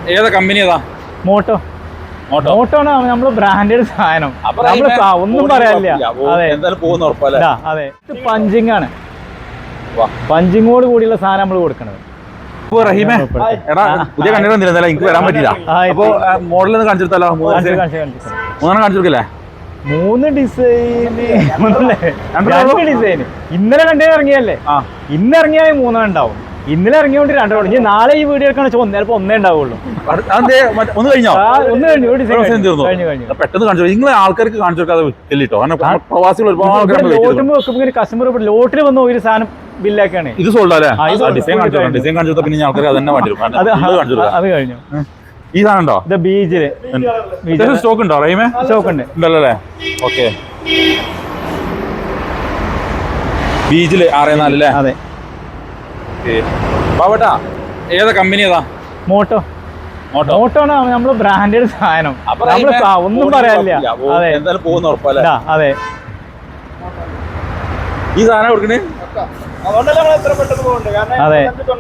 ഏതാ കമ്പനി ഏതാ? Motto. Motto ആണ് നമ്മള് ബ്രാൻഡഡ് സാധനം. ഒന്നും പറയാനില്ല. അതെ, പഞ്ചിങ് ആണ്. പഞ്ചിങ്ങോട് കൂടിയുള്ള സാധനം നമ്മൾ കൊടുക്കണത്. റഹീമേ, എടാ പുതിയ കണ്ടിട്ട് വന്നില്ല, എനിക്ക് വരാൻ പറ്റില്ല. അപ്പൊ മോഡലൊന്ന് കാണിച്ചെടുത്താലോ? മൂന്നെണ്ണം കാണിച്ചെടുക്കല്ലേ? 3 ഡിസൈന്, 2 ഡിസൈന്. ഇന്നലെ കണ്ടേ ഇറങ്ങിയല്ലേ? ഇന്ന് ഇറങ്ങിയാൽ 3 ഉണ്ടാവും. ഇന്നലെ ഇറങ്ങിയോണ്ട് 2 ഇനി നാളെ ഈ വീഡിയോ എടുക്കണ ചിലപ്പോ 1 ഉണ്ടാവുള്ളൂ. ഒന്ന് കഴിഞ്ഞോ? ഒന്ന് കഴിഞ്ഞു. പെട്ടെന്ന് കാണിച്ചു. നിങ്ങൾ ആൾക്കാർക്ക് കാണിച്ചു കൊടുക്കാതെ പ്രവാസികൾ ഒരുപാട് കസ്റ്റമർ ലോട്ടിൽ വന്ന ഒരു സാധനം ബില്ലാക്കാണ്. ഇത് സോൾഡ് അല്ലേ? ഡിസൈൻ കാണിച്ചു പിന്നെ ആൾക്കാർ അതന്നെ അത് കഴിഞ്ഞു. ഈ സാധനം ഉണ്ടോ? ബീജില് സ്റ്റോക്ക് ഉണ്ടോ? റഹീമേ, സ്റ്റോക്ക് ഉണ്ട്. ഉണ്ടല്ലോ അല്ലേ? ഓക്കെ, ബീജില് 6.4 അല്ലേ? അതെ. പാവട്ടാ, ഏതാ കമ്പനി ഏതാ? മോട്ടോ. മോട്ടോ ആണ് നമ്മള് ബ്രാൻഡഡ് സാധനം. ഒന്നും പറയാനില്ല. അതെ, ഈ സാധനം കൊടുക്കണേ. അതെ,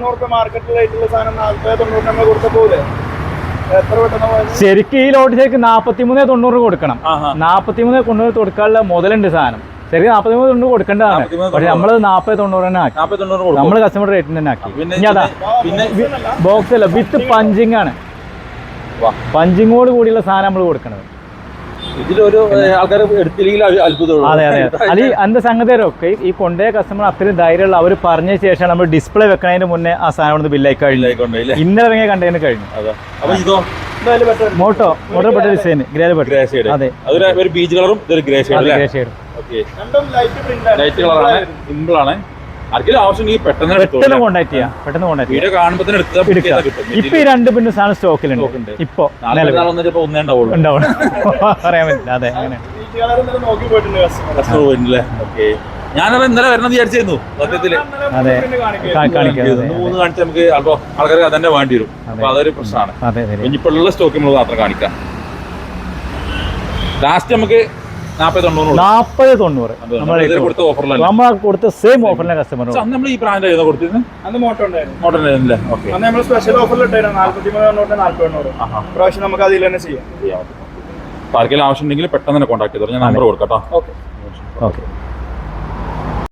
ശരിക്കും ഈ ലോട്ട് ശരിക്കും 4390 കൊടുക്കണം. 4390 കൊടുക്കാനുള്ള മുതലുണ്ട് സാധനം. ശരി, 4390 കൊടുക്കേണ്ടതാണ്. പക്ഷെ നമ്മള് 40-90 തന്നെ ആക്കി. നമ്മള് കസ്റ്റമർ റേറ്റിന് തന്നെ ആക്കി. ബോക്സ് അല്ല, വിത്ത് പഞ്ചിങ് ആണ്. പഞ്ചിങ്ങോട് കൂടിയുള്ള സാധനം നമ്മൾ കൊടുക്കണത്. അതെ അതെ. അല്ലെ അതിന്റെ സംഗതിയൊക്കെ ഈ കൊണ്ടേ കസ്റ്റമർ അത്രയും ധൈര്യമുള്ള അവർ പറഞ്ഞ ശേഷം നമ്മൾ ഡിസ്പ്ലേ വെക്കുന്നതിന് മുന്നേ ആ സാധനം ബില്ലായി കഴിഞ്ഞു. ഇന്നലെ ഇറങ്ങിയ കണ്ടതിന് കഴിഞ്ഞു. മോട്ടോ പെട്ട ഡിസൈൻ ഗ്രേ. അതെ, ബീച്ച് കളറും ഗ്രേ ഷെയ്ഡ്. സിമ്പിൾ ആണ്. പെട്ടെന്ന് കോൺടാക്ട് ചെയ്യാം. ഇപ്പൊ ഈ 2 പിന്നെ സാധനം സ്റ്റോക്കിലുണ്ട്. ഇപ്പൊ ഉണ്ടാവും, പറയാൻ പറ്റില്ല. അതെ, അങ്ങനെ ഞാനത് ഇന്നലെ വരണം വിചാരിച്ചിരുന്നു സത്യത്തില്. അതെ, കാണിച്ച് നമുക്ക് ആൾക്കാർക്ക് അതന്നെ വേണ്ടി വരും. അപ്പൊ അതൊരു പ്രശ്നമാണ്. ഇനിയിപ്പോഴുള്ള സ്റ്റോക്ക് നമ്മൾ മാത്രം കാണിക്കാം. ലാസ്റ്റ് നമുക്ക് 40-90 നമ്മൾ കൊടുത്ത സെയിം ഓഫറിലെ കസ്റ്റമർ. നമ്മൾ ഈ ബ്രാൻഡ് ഏതാ കൊടുത്തിരുന്നത്? അന്ന് മോട്ടോ ഉണ്ടായിരുന്നു. നമ്മൾ സ്പെഷ്യൽ ഓഫറിൽ ഇട്ടായിരുന്നു 43,900 പ്രാവശ്യം നമുക്ക് അതിൽ തന്നെ ചെയ്യാം. ആർക്കെങ്കിലും ആവശ്യം ഉണ്ടെങ്കിൽ പെട്ടെന്ന് തന്നെ കോൺടാക്ട് ചെയ്തോ. ഞാൻ നമ്പർ കൊടുക്കാം. ഓക്കെ.